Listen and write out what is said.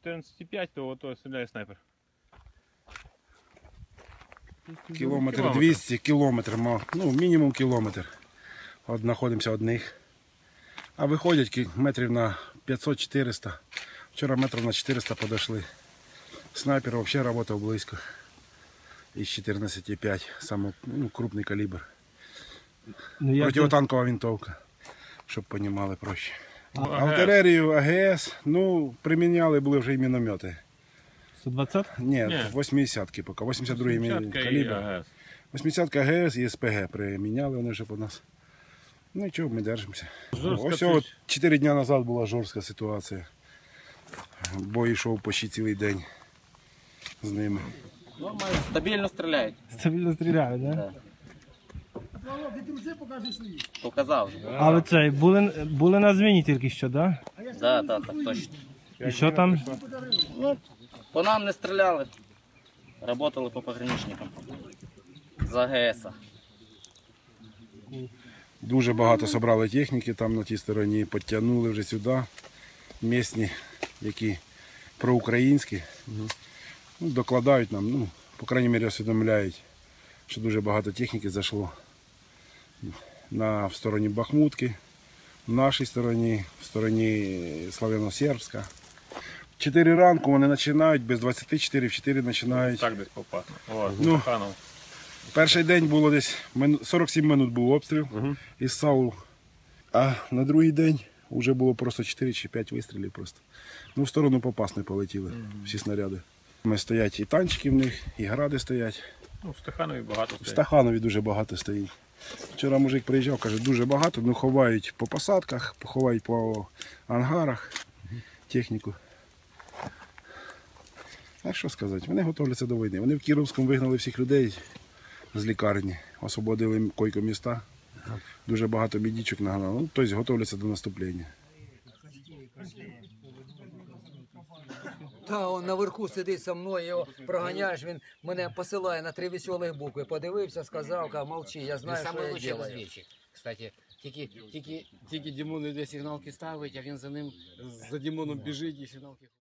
14,5, то ото стріляє снайпер. Кілометр 200, кілометр, ну мінімум кілометр. От знаходимося одних. А виходять метрів на 500-400. Вчора метрів на 400 подошли. Снайпер взагалі працював близько. Із 14,5, самий крупний калібр. Противотанкова винтовка, щоб розуміли проще. Артилерію, АГС, ну, приміняли були вже і міномети. 120? Ні, 80-ки поки, 82-й калібр. 80-ка АГС і СПГ приміняли вони вже по нас. Ну і чого, ми держимося. Ось 4 дні назад була жорстка ситуація. Бой йшов почти цілий день з ними. Нормально, стабільно стріляють. Стабільно стріляють, так? Да? Показав. А ви цей, були на зміні тільки що, так? Так, так, точно. І що там? Ну, по нам не стріляли. Работали по пограничникам. З АГС. Дуже багато зібрали техніки там на тій стороні, підтягнули вже сюди. Місні, які проукраїнські, докладають нам, ну, по крайній мірі усвідомляють, що дуже багато техніки зайшло в стороні Бахмутки, в нашій стороні, в стороні Славяно-Сербська. В 4 ранку вони починають, без 24 в 4 починають. Так десь попав. О, Ну, перший день було десь 47 минут був обстріл із САУ, а на другий день вже було просто 4 чи 5 вистрілів просто. Ну, в сторону Попасної полетіли всі снаряди. Стоять і танчики в них, і гради стоять. Ну, в Стаханові багато стоїть. В Стаханові дуже багато стоїть. Вчора мужик приїжджав, каже, дуже багато, ну ховають по посадках, ховають по ангарах техніку. А що сказати, вони готуються до війни. Вони в Кіровському вигнали всіх людей з лікарні, освободили койко-міста, дуже багато бідічок нагнали, ну, тобто готуються до наступлення. Та он наверху сидить со мною, його проганяєш, він мене посилає на 3 веселих букви. Подивився, сказав, каже, молчи, я знаю, що я делаю. Розвідчик, кстати. Тільки Дімон іде сигналки ставить, а він за ним, за Дімоном біжить і сигналки.